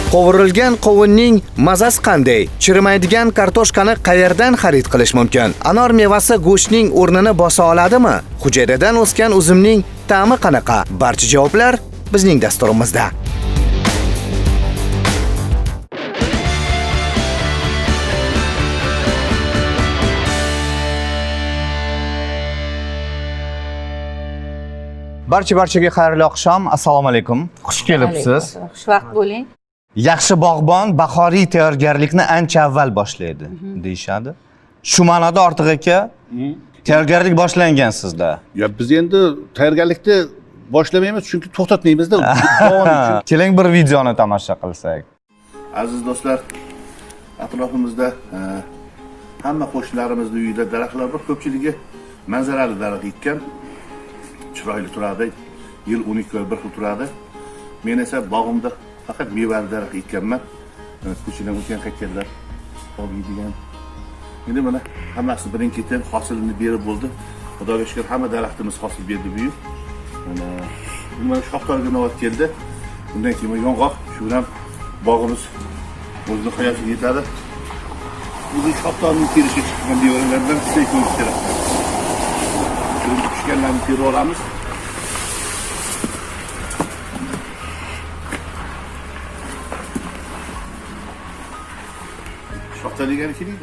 Qovurilgan qovunning mazasi qanday? Chirimaydigan kartoshkani qayerdan xarid qilish mumkin? Anor mevasi go'shtning o'rnini bosa oladimi? Hujayradan o'sgan uzumning ta'mi qanaqa? Barcha javoblar bizning dasturimizda. Barchaga xayrli oqshom. Assalomu alaykum. Xush kelibsiz. Xushvaqt bo'ling. Yaxshi bog'bon bahoriy tayyorgarlikni ancha avval boshlaydi, deyshadi. Shu ma'noda Ortiq aka, tayyorgarlik boshlangan sizda. Ya biz endi tayyorgarlikni boshlamaymiz, chunki to'xtatmaymiz-da. Davom uchun. Keling bir videoni tomosha qilsak. Aziz do'stlar, atrofimizda hamma qo'shnilarimizning uyida daraxtlar bor, ko'pchiligi manzarali daraxt ekkan. Chiroyli turadi. Yil 12 oy bir xil turadi. Men esa bog'imda faqat mevali daraxt ekkanman. Ko'chadan o'tgan qaytganlar olmaydigan. Endi mana hammasi birin-ketin hosilini berib bo'ldi. Xudoga shukr, hamma daraxtimiz hosil berdi bu yil. Mana shoxlarga navbat keldi. Bundan keyin yong'oq, shu bilan bog'imiz o'zining hayosiga yetadi. Bu shoxlarning terishga chiqqan devorlardan sizga ko'rish kerak. Tushganlarni terib olamiz. Shoxta degani keladi.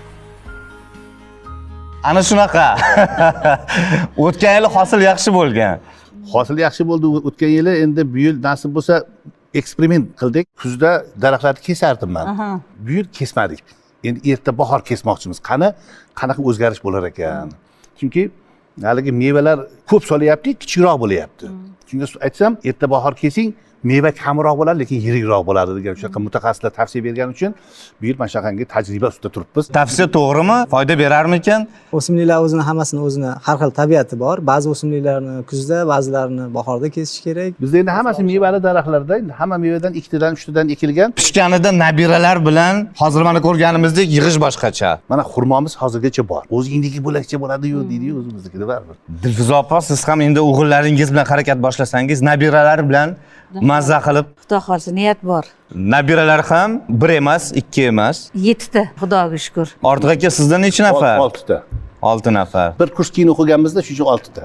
Ana shunaqa. O'tgan yil hosil yaxshi bo'lgan. Hosil yaxshi bo'ldi o'tgan yili, endi bu yil nasib bo'lsa eksperiment qildik. Kuzda daraxtlarni kesardim men. Bu yil kesmadik. Endi erta bahor kesmoqchimiz. Qanaqa o'zgarish bo'lar ekan? Chunki haligi mevalar ko'p solyapti, kichikroq bo'layapti. Chunki aytsam, erta bahor kesing, meva kamroq bo'ladi, lekin yirikroq bo'ladi degan shunaqa mutaxassislar tavsiya bergani uchun bu yil mana shunaqangi tajriba ustida turibmiz. Tavsiya to'g'rimi? Foyda berarmikan? O'simliklar o'zini har xil tabiati bor. Ba'zi o'simliklarni kuzda, ba'zilarini bahorda kesish kerak. Bizda endi hammasi mevali daraxtlarda, hamma mevadan 2 tadan 3 tadan ekilgan. Pishganida nabiralar bilan hozir mana ko'rganimizdek yig'ish boshqacha. Mana xurmomiz hozirgacha bor. O'zingniki bo'lakcha bo'ladi-yu deydi-yu, o'zimizniki baribir. Dilfuza opa, siz ham endi o'g'illaringiz bilan harakat boshlasangiz, nabiralar bilan mazza qilib. Xudo xolsa niyat bor. Nabiralar ham 1 emas, 2 emas. 7 ta, xudoga shukr. Ortiq aka, sizda necha nafar? 6 ta. 6 nafar. Bir kurs keyin o'qiganmizda, shu uchun 6 ta.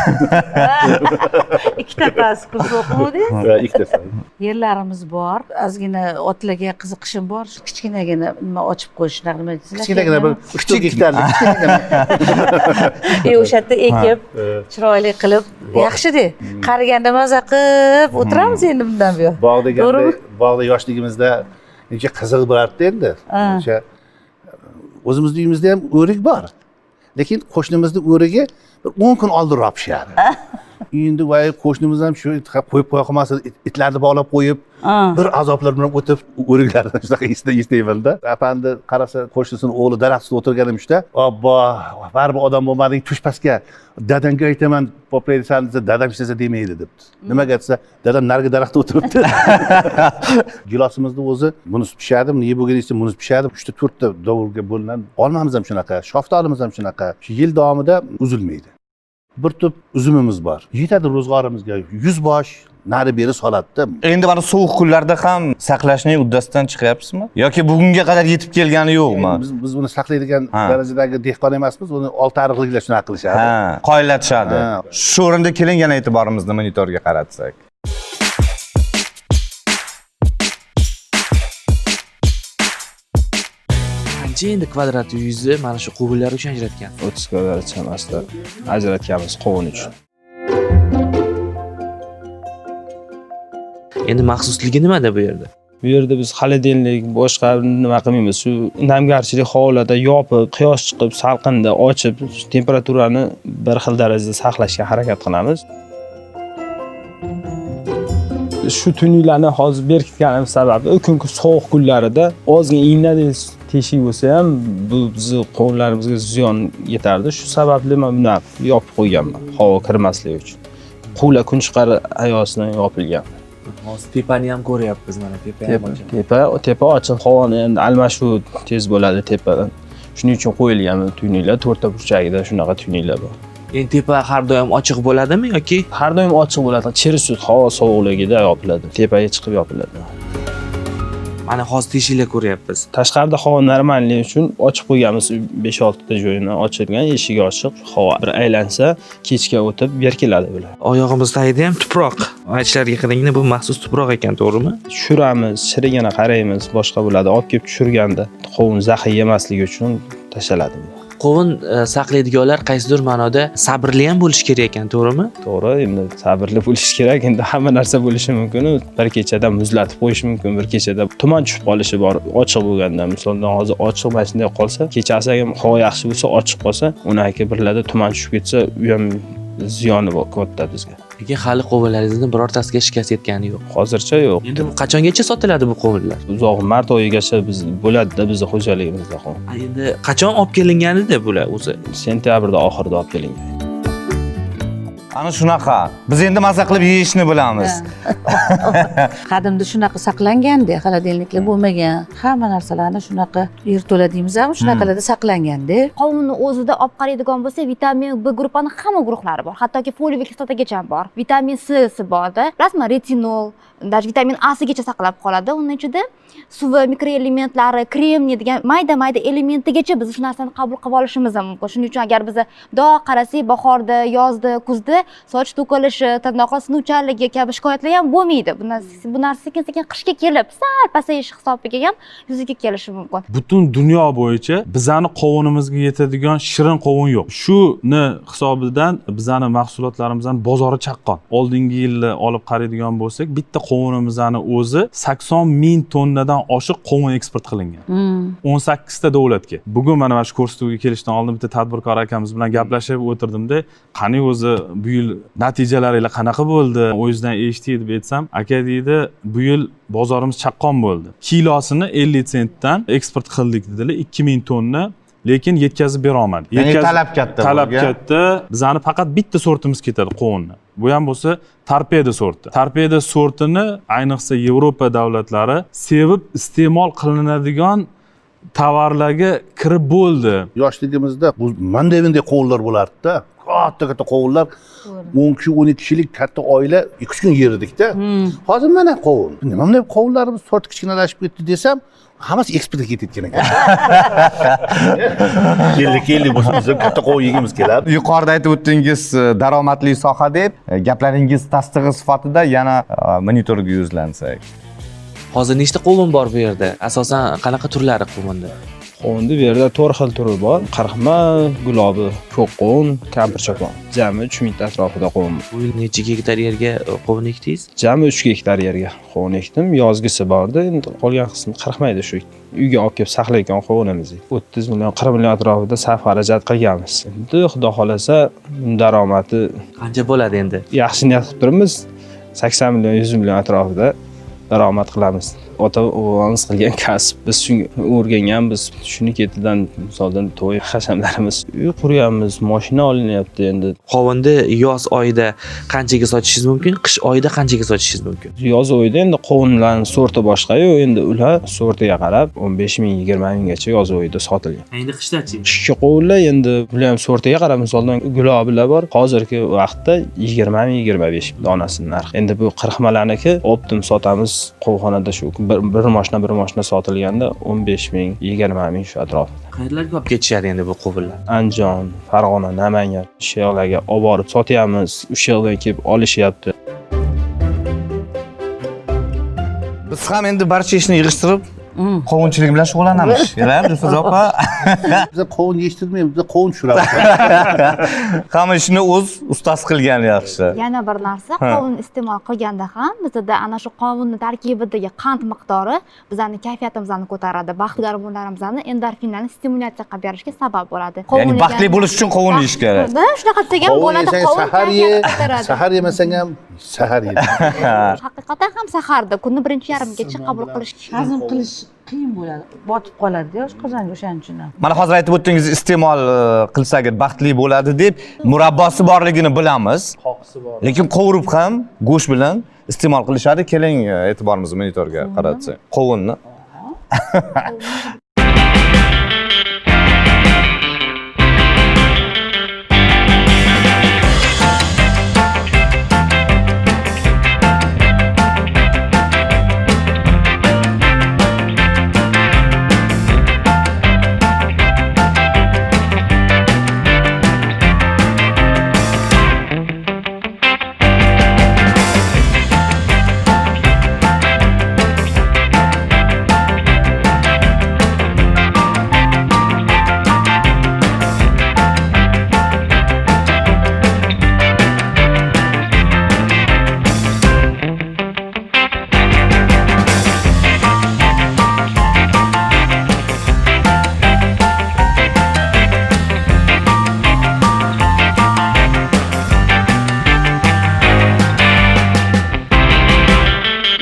2 ta kurs o'qidingiz? Ha, 2 ta. Yerlarimiz bor. Ozgina otlarga qiziqishim bor. Kichkinagina nima ochib qo'yish, nima deysizlar? Kichkinagina bir 3 gektarlik. O'sha yerda ekib, chiroyli qilib, yaxshi-da. Qariganda maza qilib o'tiramiz endi bundan buyon. Bog' deganda, bog'da yoshligimizda necha qiziq bo'lardi endi. O'sha o'zimizning uyimizda ham o'rik bor. Lekin qo'shnimizning o'rigi bir 10 kun oldinroq pishadi. Endi voy qo'shnimiz ham shu qo'yib qo'ya qolmasa, itlarni bog'lab qo'yib, bir azoblar bilan o'tib o'riklarni shunaqa eslayman-da. Apandi qarasa, qo'shnisini o'g'li daraxt ustida o'tirganimizda, "Obbo, baribir odam bo'lmading, tush pastga. Dadangga aytaman, poplaysan desa, dadam ishlasa demaydi" debdi. Nimaga desa, dadam narigi daraxtda o'tiribdi. Gilosimizni o'zi bunisi pishadi, nima bo'lganingizda bunisi pishadi. 3 ta 4 ta dovurga bo'linadi. Olmamiz ham shunaqa, shoftolimiz ham shunaqa. Shu yil davomida uzilmaydi. Bir tup uzumimiz bor. Yetadi ro'zg'orimizga 100 bosh nari beri soladi. Endi mana sovuq kunlarda ham saqlashning uddasidan chiqyapsizmi? Yoki bugunga qadar yetib kelgani yo'qmi? Biz buni saqlaydigan darajadagi dehqon emasmiz, uni olti ariqliklar shunaqa qilishadi. Ha, qoyillatishadi. Shu o'rinda keling yana e'tiborimizni monitorga qaratsak. Endi kvadrat yuzni mana shu quvurlar uchun ajratgan. 30 kvadrat chamasida ajratganmiz qovun uchun. Endi maxsusligi nimada bu yerda? Bu yerda biz xolodilnik boshqa nima qilmaymiz. Shu namgarchilik hovlida yopib, quyosh chiqib, salqinda ochib, temperaturani bir xil darajada saqlashga harakat qilamiz. Shu tuynuklarni hozir berkitganimiz sababi u kungi sovuq kunlarida ozgina iynadek teshik bo'lsa ham bu bizni qo'llarimizga ziyon yetardi. Shu sababli men buni yopib qo'yganman, havo kirmasligi uchun. Quvla kun chiqar ayosidan yopilgan. Hozir tepani ham ko'ryapmiz, mana tepa ochiq, havoni endi almashuv tez bo'ladi tepadan. Shuning uchun qo'yilgan tuynuklar, to'rtta burchagida shunaqa tuynuklar bor. Endi tepa har doim ochiq bo'ladimi yoki? Har doim ochiq bo'ladi. Chiri sut havo sovuqligida yopiladi. Tepaga chiqib yopiladi. Mana hozir teshiklar ko'ryapmiz. Tashqarida havo normallik uchun ochib qo'yganmiz 5-6 ta joyini ochilgan, eshigi ochiq, havo bir aylansa, kechga o'tib berkiladi bular. Oyog'imiz tagida ham tuproq. Aytishlariga qaraganda bu maxsus tuproq ekan, to'g'rimi? Tushiramiz, chirigini qaraymiz, boshqa bo'ladi. Olib kelib tushirganda qovun zahar yemasligi uchun tashaladi. Qovun saqlaydiganlar qaysidir ma'noda sabrli ham bo'lish kerak ekan, to'g'rimi? To'g'ri, endi sabrli bo'lish kerak. Endi hamma narsa bo'lishi mumkin. Bir kechada muzlatib qo'yish mumkin, bir kechada tuman tushib qolishi bor. Ochiq bo'lganda, masalan, hozir ochiq mana shunday qolsa, kechasi ham havo yaxshi bo'lsa, ochiq qolsa, unaki birlarda tuman tushib ketsa, u ham ziyoni bor katta bizga. Lekin hali qovunlaringizni birortasiga shikast yetgani yo'q. Hozircha yo'q. Endi qachongacha sotiladi bu qovunlar? Uzoq mart oyigacha biz bo'ladi-da bizning xo'jaligimizda qovun. Endi qachon olib kelinganida bular o'zi? Sentyabrda oxirida olib kelingan. Ana shunaqa. Biz endi maza qilib yeyishni bilamiz. Qadimda shunaqa saqlanganda, xolodilniklar bo'lmagan. Hamma narsalarni shunaqa yerto'la deymizmi, shunaqalarda saqlanganda. Qovunni o'zida olib qaraydigan bo'lsa, vitamin B guruhining hamma guruhlari bor. Hattoki foliy kislotagacha bor. Vitamin C borda. Bilasizmi, retinol, даже vitamin A gacha saqlab qoladi. Uning ichida suvi, mikroelementlari, kremniy degan mayda-mayda elementigacha biz shu narsani qabul qilib olishimiz mumkin. Shuning uchun agar biz mundoq qarasak, bahorda, yozda, kuzda soch to'kilishi, tirnoqlar sinuvchanligi kabi shikoyatlar ham bo'lmaydi. Bu narsa sekin-sekin qishga kelib, sal pasayish hisobiga ham yuzaga kelishi mumkin. Butun dunyo bo'yicha bizani qovunimizga yetadigan shirin qovun yo'q. Shuni hisobidan bizani mahsulotlarimizning bozori chaqqon. Oldingi yilni olib qaraydigan bo'lsak, bitta qovunimizning o'zi 80 ming tonnadan oshiq qovun eksport qilingan. 18 ta davlatga. Bugun mana shu ko'rsatuvga kelishdan oldin bitta tadbirkor akamiz bilan gaplashib o'tirdimda, qani o'zi bu yil natijalaringiz qanaqa bo'ldi? O'zingizdan eshitdik deb aytsam, aka deydi, bu yil bozorimiz chaqqon bo'ldi. Kilosini 50 sentdan eksport qildik dedilar, 2000 tonna. Lekin yetkazib bera olmadik. Talab katta. Talab katta. Bizani faqat bitta sortimiz ketadi qovunni. Bu ham bo'lsa torpeda sorti. Torpeda sortini ayniqsa Yevropa davlatlari sevib iste'mol qilinadigan tovarlarga kirib bo'ldi. Yoshligimizda bu mandavinday qovunlar bo'lardi-da. Katta qovunlar 10 kishi, 12 kishilik katta oila 2 kun yerdik-da. Hozir mana qovun. Nima bunday qovunlarimiz sorti kichkinalashib ketdi desam, hammasi eksportga ketayotgan ekan. Keldik bo'lsa katta qovun yegimiz keladi. Yuqorida aytib o'tdingiz daromadli soha deb, gaplaringiz tasdig'i sifatida yana monitorga yuzlansak. Hozir nechta qovun bor bu yerda? Asosan qanaqa turlari qovunda? Qovunda bu yerda 4 xil turi bor. Qirqma, gulobi, ko'k qovun, kampirchakon. Jami 3000 ta atrofida qovun. Bu yil necha gektar yerga qovun ekdingiz? Jami 3 gektar yerga qovun ekdim. Yozgisi bordi. Endi qolgan qismi qirqmaydi shu. Uyga olib kelib saqlayotgan qovunimizni. 30 million, 40 million atrofida sarf xarajat qilganmiz. Endi xudo xolasa daromadi Qancha bo'ladi endi? yaxshi niyat qilib turibmiz. 80 million, 100 million atrofida daromad qilamiz. Ota-bobamiz qilgan kasb, biz shunga o'rganganmiz. Shuni ketidan misoldan to'y hashamlarimiz, uy quryapmiz, mashina olinyapti endi. Qovunni yoz oyida qanchaga sotishingiz mumkin, qish oyida qanchaga sotishingiz mumkin? Yoz oyida endi qovunlarning sorti boshqa-yu, endi ular sortiga qarab 15 ming, 20 minggacha yoz oyida sotilgan. Endi qishdachi? Qishki qovunlar endi bular ham sortiga qarab, misoldan gulobilar bor. Hozirgi vaqtda 20 ming, 25 ming donasining narxi. Endi bu qirqmalarniki optim sotamiz qovxonada shu bir mashina sotilganda 15 ming, 20 ming shu atrofida. Qayerlarga olib ketishadi endi bu qovunlar? Andijon, Farg'ona, Namangan shu yerlarga olib borib sotyapmiz. O'sha yerdan kelib olishyapti. Biz ham endi barcha ishni yig'ishtirib qovunchilik bilan shug'ullanamiz. Ya'ni Dilso'z opa. Biz qovun yetishtirmaymiz, biz qovun tushiramiz. Hamma ishni o'z ustasi qilgan yaxshi. Yana bir narsa, qovun iste'mol qilganda ham bizda ana shu qovunning tarkibidagi qand miqdori bizning kayfiyatimizni ko'taradi, baxt gormonlarimizni, endorfinlarni stimulyatsiya qilib berishga sabab bo'ladi. Ya'ni baxtli bo'lish uchun qovun yeyish kerak. Shunaqa desak ham bo'ladi, qovun sahar ye, sahar yemasang ham sahar ye. Haqiqatan ham saharda kunni birinchi yarmigacha qabul qilish Hazm qilish qiyin bo'ladi. Botib qoladi-da oshqozonga o'shaning uchun ham. Mana hozir aytib o'tdingiz, iste'mol qilsak baxtli bo'ladi deb, murabbosi borligini bilamiz. Lekin qovurib ham go'sht bilan iste'mol qilishadi. Keling, e'tiborimizni monitorga qaratsak. Qovunni.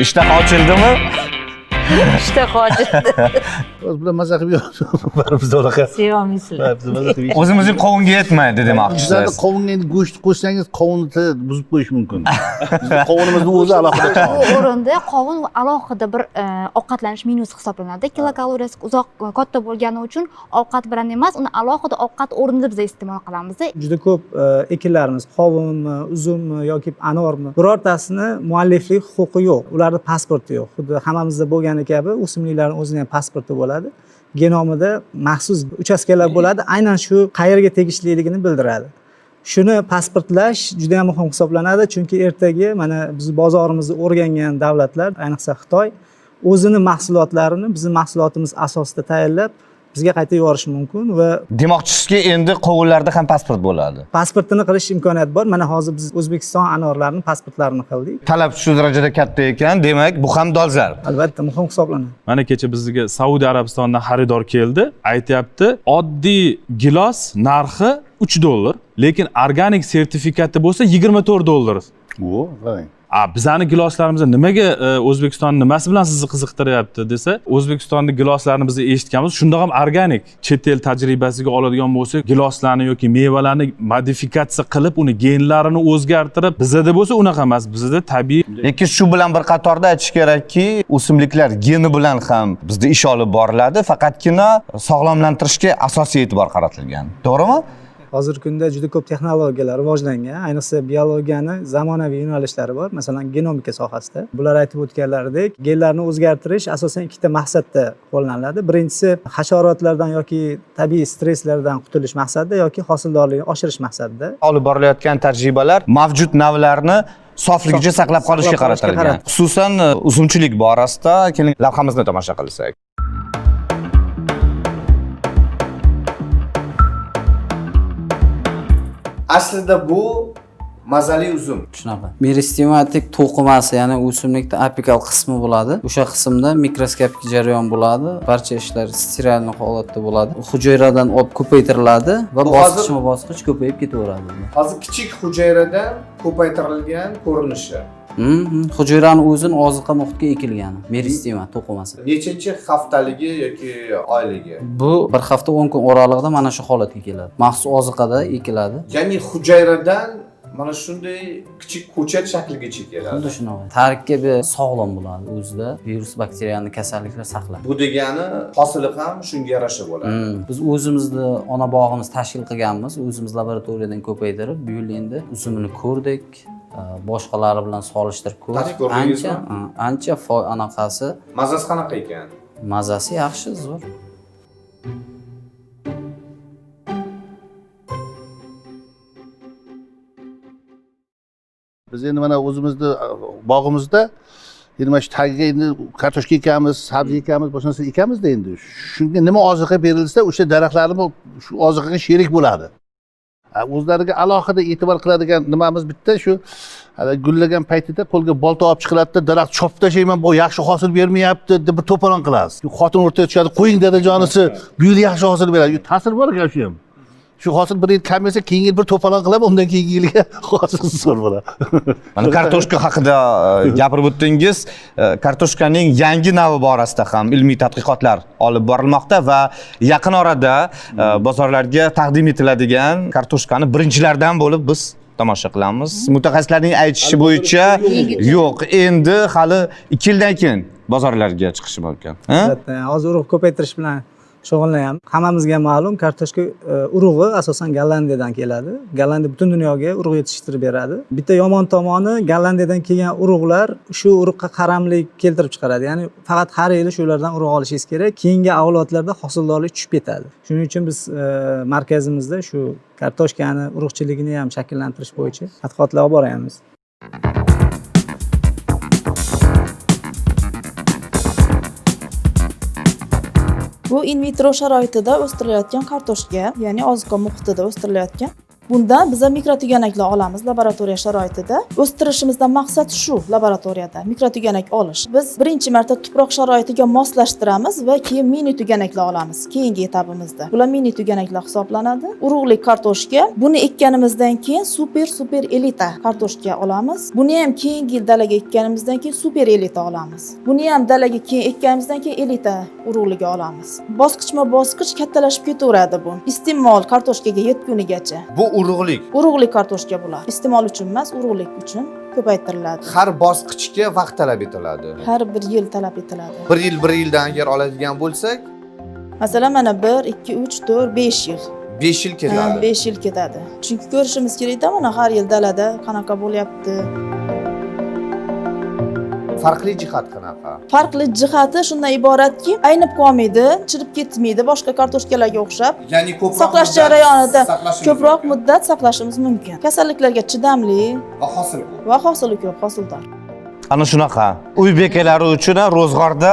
ishtaha ochildimi? ishtaha ochildi. O'z bilan maza qilib yuribmiz biz unaqa. Sevamiysizlar. Biz maza qilib. O'zimizning qovunga yetmaydi demoqchisiz. Bizlarda qovunga endi go'sht qo'shsangiz qovunni buzib qo'yish mumkin. Bizning qovunimizni o'zi alohida taom. Bu o'rinda qovun alohida bir ovqatlanish menyusi hisoblanadi. Kilokaloriyasi katta bo'lgani uchun ovqat bilan emas, uni alohida ovqat o'rnida biz iste'mol qilamiz. Juda ko'p ekinlarimiz qovunmi, uzummi yoki anormi birortasini mualliflik huquqi yo'q. Ularda pasporti yo'q. Xuddi hammamizda bo'lgani kabi o'simliklarning o'zining ham pasporti bo'ladi. Genomida maxsus uchastkalar bo'ladi, aynan shu qayerga tegishliligini bildiradi. Shuni pasportlash juda ham muhim hisoblanadi, chunki ertaga mana biz bozorimizni o'rgangan davlatlar, ayniqsa Xitoy, o'zini mahsulotlarini bizning mahsulotimiz asosida tayyorlab bizga qayta yuborishi mumkin va Demoqchisizki, endi qovunlarda ham pasport bo'ladi. pasportini qilish imkoniyati bor. Mana hozir biz O'zbekiston anorlarining pasportlarini qildik. Talab shu darajada katta ekan, demak, bu ham dolzarb. Albatta muhim hisoblanadi. Mana kecha bizga Saudiya Arabistondan xaridor keldi, aytyapti, oddiy gilos narxi $3, lekin organik sertifikati bo'lsa $24. O, qarang. Bizani giloslarimizni nimaga O'zbekiston nimasi bilan sizni qiziqtiryapti desa, O'zbekistonning giloslarini biz eshitganmiz, shunda ham organik chet el tajribasiga oladigan bo'lsak, giloslarni yoki mevalarni modifikatsiya qilib, uni genlarini o'zgartirib, bizda bo'lsa unaqa emas, bizda tabiiy. Lekin shu bilan bir qatorda aytish kerakki, o'simliklar geni bilan ham bizda ish olib boriladi, faqatgina sog'lomlantirishga asosiy e'tibor qaratilgan. To'g'rimi? Hozirgi kunda juda ko'p texnologiyalar rivojlangan, ayniqsa biologiyani zamonaviy yo'nalishlari bor, masalan genomika sohasida. Bular aytib o'tganlaridek, genlarni o'zgartirish asosan ikkita maqsadda qo'llaniladi. Birinchisi hasharotlardan yoki tabiiy stresslardan qutulish maqsadida yoki hosildorlikni oshirish maqsadida. Olib borilayotgan tajribalar mavjud navlarni sofligicha saqlab qolishga qaratilgan. Xususan uzumchilik borasida keling lavhamizni tomosha qilsak. Aslida bu mazali uzum. Shunaqa. Meristematik to'qimasi, ya'ni o'simlikda apikal qismi bo'ladi. O'sha qismda mikroskopik jarayon bo'ladi. Barcha ishlar sterilni holatda bo'ladi. Hujayradan olib ko'paytiriladi va bosqichma-bosqich ko'payib ketaveradi. Hozir kichik hujayradan ko'paytirilgan ko'rinishi. Hujayrani o'zini oziqa muhitga ekilgani, meristema to'qimasi. Nechanchi haftaligi yoki oyligi? Bu bir hafta 10 kun oralig'ida mana shu holatga keladi. Maxsus oziqada ekiladi. Ya'ni hujayradan mana shunday kichik ko'chat shakligacha keladi. Xuddi shunaqa. Tarkibi sog'lom bo'ladi, o'zida virus, bakteriyani kasalliklar saqlaydi. Bu degani hosili ham shunga yarasha bo'ladi. Biz o'zimizni ona bog'imiz tashkil qilganmiz, o'zimiz laboratoriyadan ko'paytirib, bu yil endi uzumini ko'rdik. Boshqalari bilan solishtirib ko'rdik. Ancha anaqasi. Mazasi qanaqa ekan? Mazasi yaxshi, zo'r. Biz endi mana o'zimizni bog'imizda endi mana shu tagiga endi kartoshka ekamiz, sabzi ekamiz, boshqa narsa ekamizda endi. Shunga nima oziqa berilsa, o'sha daraxtlarimiz shu oziqaga sherik bo'ladi. O'zlariga alohida e'tibor qiladigan nimamiz bitta shu gullagan paytida qo'lga bolta olib chiqiladi-da, daraxt chopib tashlayman, bu yaxshi hosil bermayapti deb bir to'polon qilasiz. Xotin o'rtaga tushadi, qo'ying dadajonisi, bu yil yaxshi hosil beradi. Ta'sir bor ekan shu ham. Shu hosil bir yil kam bo'lsa, keyingi yil bir to'polon qilaman, undan keyingi yilga hosil zo'r bo'ladi. Mana kartoshka haqida gapirib o'tdingiz. Kartoshkaning yangi navi borasida ham ilmiy tadqiqotlar olib borilmoqda va yaqin orada bozorlarga taqdim etiladigan kartoshkani birinchilardan bo'lib biz tomosha qilamiz. Mutaxassislarning aytishi bo'yicha yo'q, endi hali 2 yildan keyin bozorlarga chiqishi mumkin. Hozir urug' ko'paytirish bilan shug'ullanyapmiz. Hammamizga ma'lum, kartoshka urug'i asosan Gollandiyadan keladi. Gollandiya butun dunyoga urug' yetishtirib beradi. Bitta yomon tomoni, Gollandiyadan kelgan urug'lar shu urug'ga qaramlik keltirib chiqaradi. Ya'ni faqat har yili shulardan urug' olishingiz kerak. Keyingi avlodlarda hosildorlik tushib ketadi. Shuning uchun biz markazimizda shu kartoshkani urug'chiligini ham shakllantirish bo'yicha tadqiqotlar olib boramiz. Bu in vitro sharoitida o'stirilayotgan kartoshka, ya'ni oziqa muhitida o'stirilayotgan Bundan biza mikrotüganaklar olamiz laboratoriya sharoitida. O'stirishimizdan maqsad shu laboratoriyada mikrotüganak olish. Biz birinchi marta tuproq sharoitiga moslashtiramiz va keyin mini tüganaklar olamiz keyingi etapimizda. Bular mini tüganaklar hisoblanadi. Urug'lik kartoshka. Buni ekkanimizdan keyin super elita kartoshka olamiz. Buni ham keyingi yil dalaga ekkanimizdan keyin super elita olamiz. Buni ham dalaga keyin ekkanimizdan keyin elita urug'liga olamiz. Bosqichma-bosqich kattalashib ketaveradi bu. Iste'mol kartoshkaga yetgunigacha. Bu urug'lik. Urug'lik kartoshka bular. Iste'mol uchun emas, urug'lik uchun ko'paytiriladi. Har bosqichga vaqt talab etiladi. Har bir yil talab etiladi. Bir yildan agar oladigan bo'lsak, Masalan, mana 1, 2, 3, 4, 5 yil. 5 yil ketadi. 5 yil ketadi. Chunki ko'rishimiz kerak-da, mana har yil dalada qanaqa bo'lyapti. Farqli jihat qanaqa? Farqli jihati shundan iboratki, aynib qolmaydi, chirib ketmaydi boshqa kartoshkalarga o'xshab. Ya'ni ko'proq saqlash jarayonida ko'proq muddat saqlashimiz mumkin. Kasalliklarga chidamli va hosil ko'p. va hosili ko'p, hosildor. Ana shunaqa. Uy bekalari uchun ro'zg'orda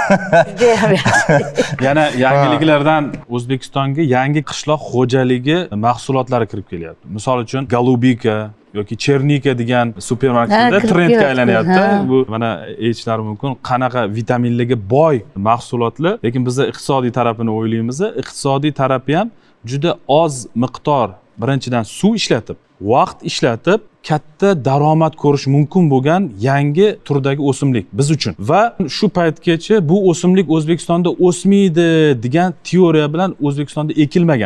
yana yangiliklardan O'zbekistonga yangi qishloq xo'jaligi mahsulotlari kirib kelyapti. Misol uchun Golubika yoki Chernika degan supermarketda trendga aylanyapti. Bu mana aytishlari mumkin, qanaqa vitaminlarga boy mahsulotlar, lekin biz iqtisodiy tarafini o'ylaymiz. Iqtisodiy tarafi ham juda oz miqdor birinchidan suv ishlatib, vaqt ishlatib katta daromad ko'rish mumkin bo'lgan yangi turdagi o'simlik biz uchun. Va shu paytgacha bu o'simlik O'zbekistonda o'smaydi degan teoriya bilan O'zbekistonda ekilmagan.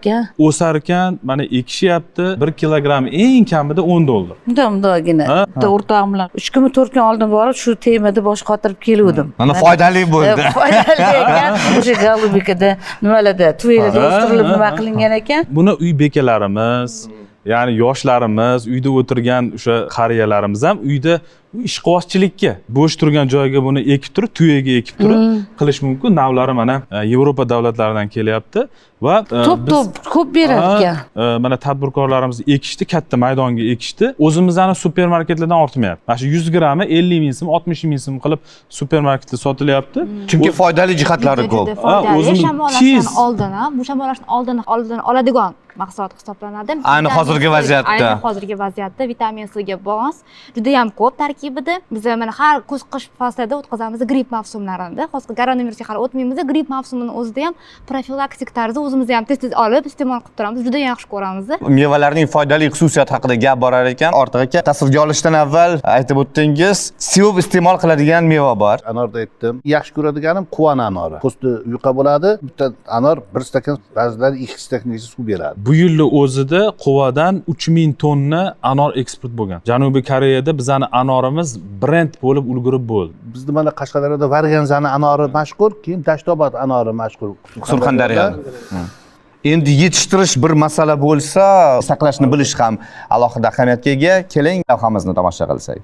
O'sar ekan, mana ekishyapti. 1 kilogramm eng kamida $10. Mundagina. Bitta o'rtog'im bilan 3 kun 4 kun oldin borib shu temada bosh qotirib keluvdim. mana foydali bo'ldi. Foydali ekan. O'sha Golubikada nimalarda, tuylarda o'stirilib nima qilingan ekan. Buni uy bekalarimiz, ya'ni yoshlarimiz, uyda o'tirgan o'sha qariyalarimiz ham uyda ishqibozchilikka bo'sh turgan joyga buni ekib turib, tuyaga ekib turib qilish mumkin. Navlari mana Yevropa davlatlaridan kelyapti va to'p ko'p beradigan. Mana tadbirkorlarimiz ekishdi, katta maydonga ekishdi. O'zimizning supermarketlardan ortmayapti. Mana shu 100 grammi 50 ming so'm, 60 ming so'm qilib supermarketda sotilyapti. Chunki foydali jihatlari ko'p. Shamollashdan oldin, bu shamollashdan oldin oladigan mahsulot hisoblanadi. Ayni hozirgi vaziyatda. Ayni hozirgi vaziyatda vitamin C ga bos juda ham ko'p tarkibida. Biz mana har kuz-qish faslida o'tkazamiz gripp mavsumlarida. Hozir koronavirusga hali o'tmaymiz. Gripp mavsumini o'zida ham profilaktik tarzda o'zimiz ham tez olib iste'mol qilib turamiz. Juda yaxshi ko'ramiz. Mevalarning foydali xususiyati haqida gap borar ekan, ortiq aka tasvirga olishdan avval aytib o'tdingiz, sevib iste'mol qiladigan meva bor. Anorda aytdim. Yaxshi ko'radiganim quvana anori. Po'sti yuqa bo'ladi. Bitta anor 1 stakan, ba'zilari 2 stakangacha suv beradi. Bu yilni o'zida Quvadan 3000 tonna anor eksport bo'lgan. Janubiy Koreyada bizani anorimiz brend bo'lib ulgurib bo'ldi. Bizda mana Qashqadaryoda Varganzani anori mashhur, keyin Dashtobod anori mashhur. Surxondaryo. Endi yetishtirish bir masala bo'lsa, saqlashni bilish ham alohida ahamiyatga ega. Keling, lavhamizni tomosha qilsak.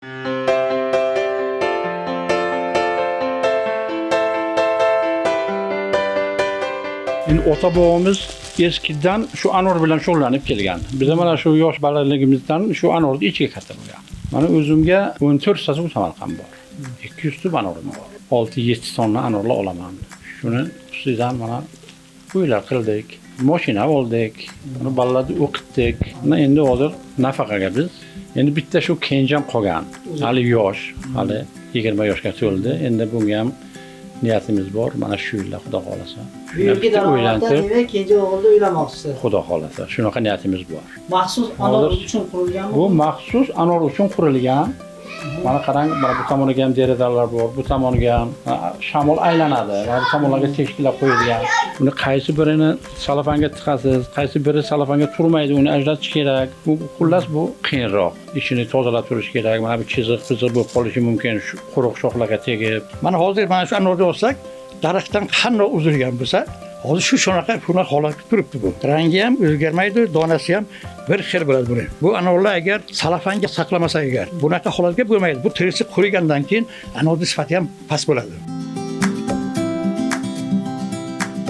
Endi ota-bobamiz eskidan shu anor bilan shug'ullanib kelgan. Biz mana shu yosh bolaligimizdan shu anorni ichiga katta bo'lgan. Mana o'zimga 14 ta Samarqand bor. 200 ta anorim bor. 6-7 tonna anorlar olaman. Shuni ustidan mana uylar qildik, mashina oldik, buni bolalarni o'qitdik. Mana endi hozir nafaqaga biz. Endi bitta shu kenjam qolgan. Hali yosh, hali 20 yoshga to'ldi. Endi bunga ham niyatimiz bor. Mana shu yilda Xudo xolasa. Uyga daromaddan kenja o'g'ilni uylamoqchisiz. Xudo xolasa, shunaqa niyatimiz bor. Maxsus anor uchun qurilganmi? Bu maxsus anor uchun qurilgan. Mana qarang, mana bu tomoniga ham derazalar bor, bu tomoniga ham shamol aylanadi. Mana bu tomonlarga teshiklar qo'yilgan. Buni qaysi birini salafanga tiqasiz, qaysi biri salafanga turmaydi, uni ajratish kerak. Bu xullas bu qiyinroq. Ishini tozalab turish kerak. Mana bu chiziq-piziq bo'lib qolishi mumkin, shu quruq shoxlarga tegib. Mana hozir mana shu anorni olsak, daraxtdan qanday uzilgan bo'lsa, hozir shunaqa holatda turibdi bu. Rangi ham o'zgarmaydi, donasi ham bir xil bo'ladi buni. Bu anorlar agar salafanga saqlamasa agar, bunaqa holatga bo'lmaydi. Bu terisi qurigandan keyin anorning sifati ham past bo'ladi.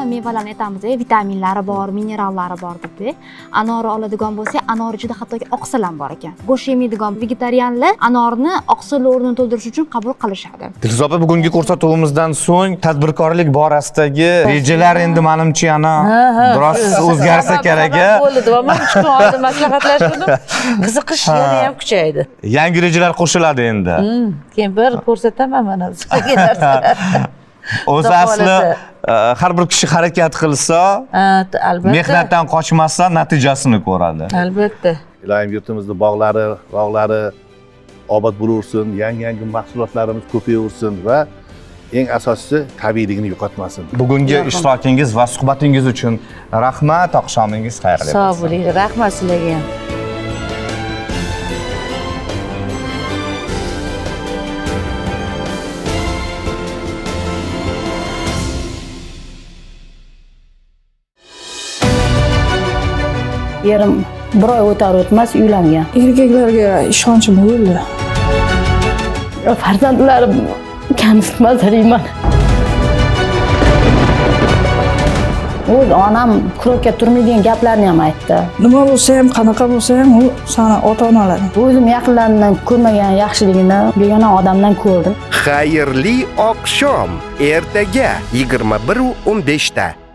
xil mevalarni aytamiz, vitaminlari bor, minerallari bor deb. Anorni oladigan bo'lsak, anor ichida hattoki oqsil ham bor ekan. Go'sht yemaydigan vegetarianlar anorni oqsil o'rnini to'ldirish uchun qabul qilishadi. Dilso'z opa, bugungi ko'rsatuvimizdan so'ng tadbirkorlik borasidagi rejalar endi menimcha yana biroz o'zgarsa kerak. Bo'ldi va men 3 kun oldin maslahatlashdim. Qiziqish yana ham kuchaydi. Yangi rejalar qo'shiladi endi. Keyin bir ko'rsataman mana sizga narsalar. O'zi asli har bir kishi harakat qilsa, albatta. mehnatdan qochmasa natijasini ko'radi. Albatta. Ilohim yurtimizni bog'lari obod bo'laversin, yangi mahsulotlarimiz ko'payaversin va eng asosiysi tabiiyligini yo'qotmasin. Bugungi ishtirokingiz va suhbatingiz uchun rahmat, oqshomingiz xayrli bo'lsin. Sog' bo'ling, rahmat sizlarga ham. Erim bir oy o'tar o'tmas uylangan. Erkaklarga ishonchim bo'ldi. Farzandlarim kamsitmas deyman. O'z onam kurokka turmaydigan gaplarni ham aytdi. Nima bo'lsa ham, qanaqa bo'lsa ham u sana ota-onalaring. O'zim yaqinlarimdan ko'rmagan yaxshiligini begona odamdan ko'rdim. Xayrli oqshom ertaga 21:15 da.